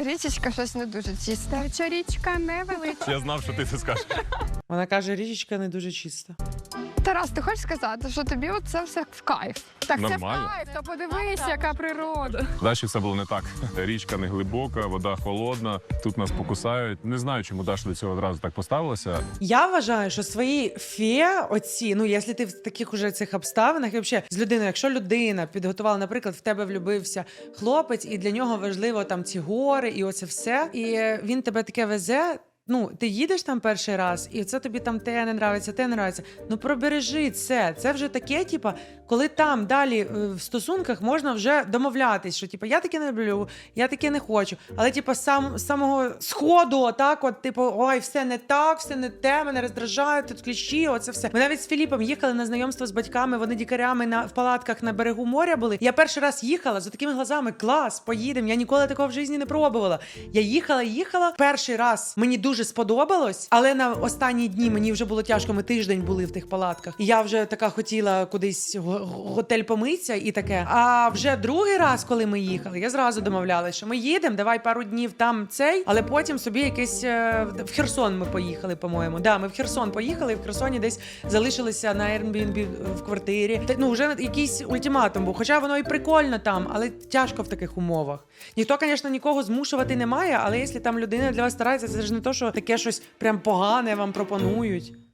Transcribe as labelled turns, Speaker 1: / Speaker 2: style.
Speaker 1: річечка щось не дуже чисте.
Speaker 2: Що річка невеличка.
Speaker 3: Я знав, що ти це скажеш.
Speaker 4: Вона каже, річечка не дуже чиста.
Speaker 1: Тарас, ти хочеш сказати, що тобі це все в кайф?
Speaker 2: Так це в
Speaker 3: Нормально.
Speaker 2: кайф, то подивись, яка природа.
Speaker 3: Даші все було не так. Річка не глибока, вода холодна, тут нас покусають. Не знаю, чому Даша до цього одразу так поставилася.
Speaker 4: Я вважаю, що свої фе, оці, ну, якщо ти в таких уже цих обставинах, і взагалі з людиною, якщо людина підготувала, наприклад, в тебе влюбився хлопець, і для нього важливо там ці гори, і оце все, і він тебе таке везе. Ну, ти їдеш там перший раз, і це тобі там те не нравиться, те не нравиться. Ну, пробережи це. Це вже таке, типа, коли там далі в стосунках можна вже домовлятись, що типа я таке не люблю, я таке не хочу. Але типа з самого сходу, отак, от, типу, ой, все не так, все не те, мене роздражає, тут кліщі, оце все. Ми навіть з Філіпом їхали на знайомство з батьками, вони дікарями в палатках на берегу моря були. Я перший раз їхала з такими глазами: клас, поїдемо. Я ніколи такого в житті не пробувала. Я їхала. Перший раз мені дуже сподобалось, але на останні дні мені вже було тяжко. Ми тиждень були в тих палатках. І я вже така хотіла кудись в готель помитися і таке. А вже другий раз, коли ми їхали, я зразу домовлялася, що ми їдемо, давай пару днів там цей, але потім собі якесь в Херсон ми поїхали, по-моєму. Да, ми в Херсон поїхали, і в Херсоні десь залишилися на Airbnb в квартирі. Ну, вже якийсь ультиматум був. Хоча воно і прикольно там, але тяжко в таких умовах. Ніхто, звісно, нікого змушувати не має, але якщо там людина для вас старається, це ж не то, що таке щось прям погане вам пропонують.